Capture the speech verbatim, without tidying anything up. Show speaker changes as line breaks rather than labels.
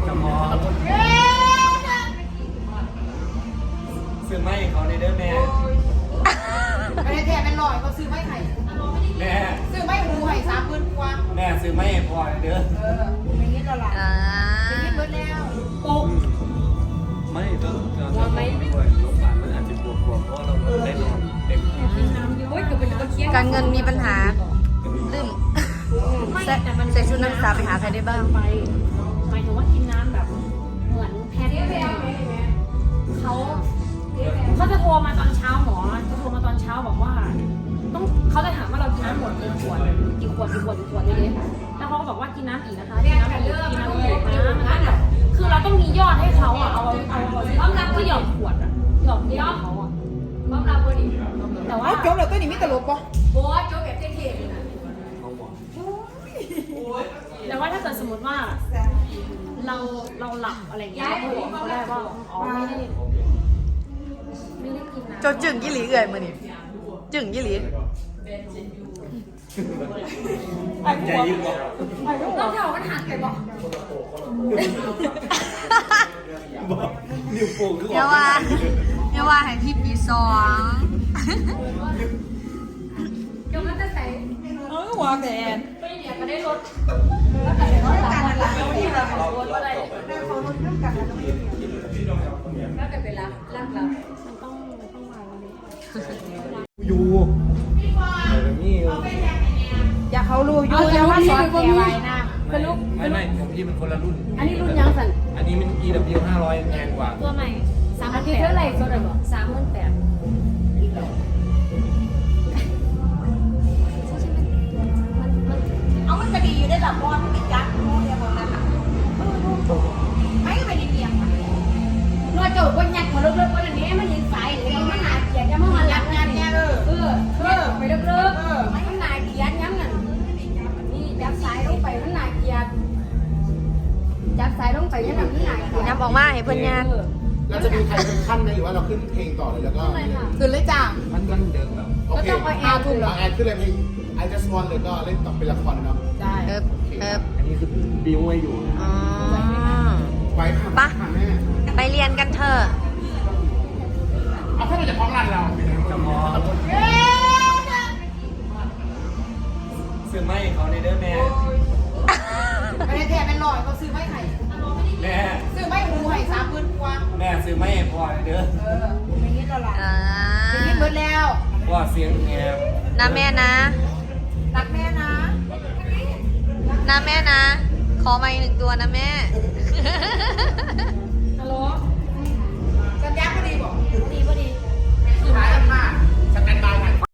จะมองซื้อไม่เขาในเด้อแม่
ไม่ได้แทนเป็นลอยเขาซื้อไม่ไข่
แม่
ซื้อไม่หูไข่สามหมื่นกว่า
แม่ซื้อไม่พอเด้อ
เอออย่างนี้เราหลับอย่างนี้เบิดแล้วปุ๊บ
ไม่ต้องเราไม่ด้วยโรงพยาบาลมันอาจจะบวกบวกเพราะเราได้นอนเต็ม
การเงินมีปัญหาลืมใส่ชุดนักศึกษาไปหาใครได้บ้าง
ไปหมายถึงว่ากินน้ำแบบเหมือนแพทย์เขาเขาจะโทรมาตอนเช้าหมอจะโทรมาตอนเช้าบอกว่าต้องเขาจะถามว่าเรากินน้ำหมดกี่ขวดกี่ขวดกี่ขวดกี่ขวดเลยแล้วเขาก็บอกว่ากินน้ำอีกนะคะกินน้ำอีกกินน้ำอีกนะมันแบบคือเราต้องมียอดให้เขาอ่ะเอาเอาพร้อมรับก็หยอดขวดอ่ะหยอดยอดเขาอ่ะพร้อมรับพอดีแต่ว่า
โจ๊กเราตัวนี้มีตลกปะ
โบ๊ทโจ๊กแบบเท่ๆเลยนะแต่ว่าถ้าเกิดสมมติว่าเราเราหลับอะไรอย่างเงี้ยเขาบอกเขาได้ว่าอ๋อไม่ได้ไม่ได้กินนะ
โจจึงยี่หลีเอื่อยมานี่จึงยี่หลี
ใจยิ่งกว่า
ต้องเท่ามันหักไปบอก
นิ้วโป้งคือ
เดี๋ยวว่าเดี๋ยวว่าให้พี่ปีสอง
เดี๋ยวมันจะใส่
เออหัวแดน
ไปเนี่ยก็ได้ลดแล้วแต่ก็การอะไรที่เราลดอะไรแล้วแต่เวลาล่างเรามันต้องต้องวางวันนี้
ยูแบบนี้
อยากเขารู้อยู่แล้วว่าสอนแกไว้นะ
สรุป
ไม่ไม่ของพี่มันคนละรุ่น
อันนี้รุ่นยังสั่น
อันนี้มัน อี ดับเบิลยู ห้าร้อยแพงกว่า
ตัวใหม่สามพันแปดเท่าไหร่ตัวไหนบอกสามพันแปด
เอามันจะดีอยู่ได้แบบบอลที่ติดยักษ์โม่เนี่ยบอลนั้นอ่ะไม่ก็เป็นเดียง
นวดโจกวันยักษ์มาเลิกๆวันนี้มันยิงสายหรือมันหนาเกียร์ยังมันยักษ์งานเนี่ยเออเออเออไปเลิกๆมันหนาเกียร์ยังนั่นนี่ยักษ์สายลงไปมันหนาเกียร์ยักษ์สายลงไปยังมันหนาเกียร์
ย้ำออกมาให้เพื่อนงาน
เราจะมีใครเป็นขั้นไหมหรือว่าเราขึ้นเพลงต่อเลยแล้วก็
ขึ้นเลยจ้า
มันมันเดิมแบบ
โอเคอาทุ่มเหรอแอนขึ้นเลยเพลง I just want เลยก็เล่นต่อเป็นละครเนาะ
ได้
เอิบเอิบ
อันนี้คือบิวไว้อยู่
อ๋อ
ไว้ค่ะแม่
ไปเรียนกันเถอะ
เอาแค่เราจะพร้อมรันเรา
จะมองซื้อไม่เขาในเด้อแม่
ไม่ได้แทนเป็นลอยเขาซื้อไม่ไข่
แม่
ซื้อไม่หูไข่สามหมื่นกว่า
แม่ซื้อไม่พอเด้อ
เอออย่างนี้เราหลับอย่างนี้เบิดแล้ว
ว่าเสียงแงบ
นะแม่นะ
รักแม่นะ
นะแม่นะขอมาอีกหนึ่งตัวนะแม่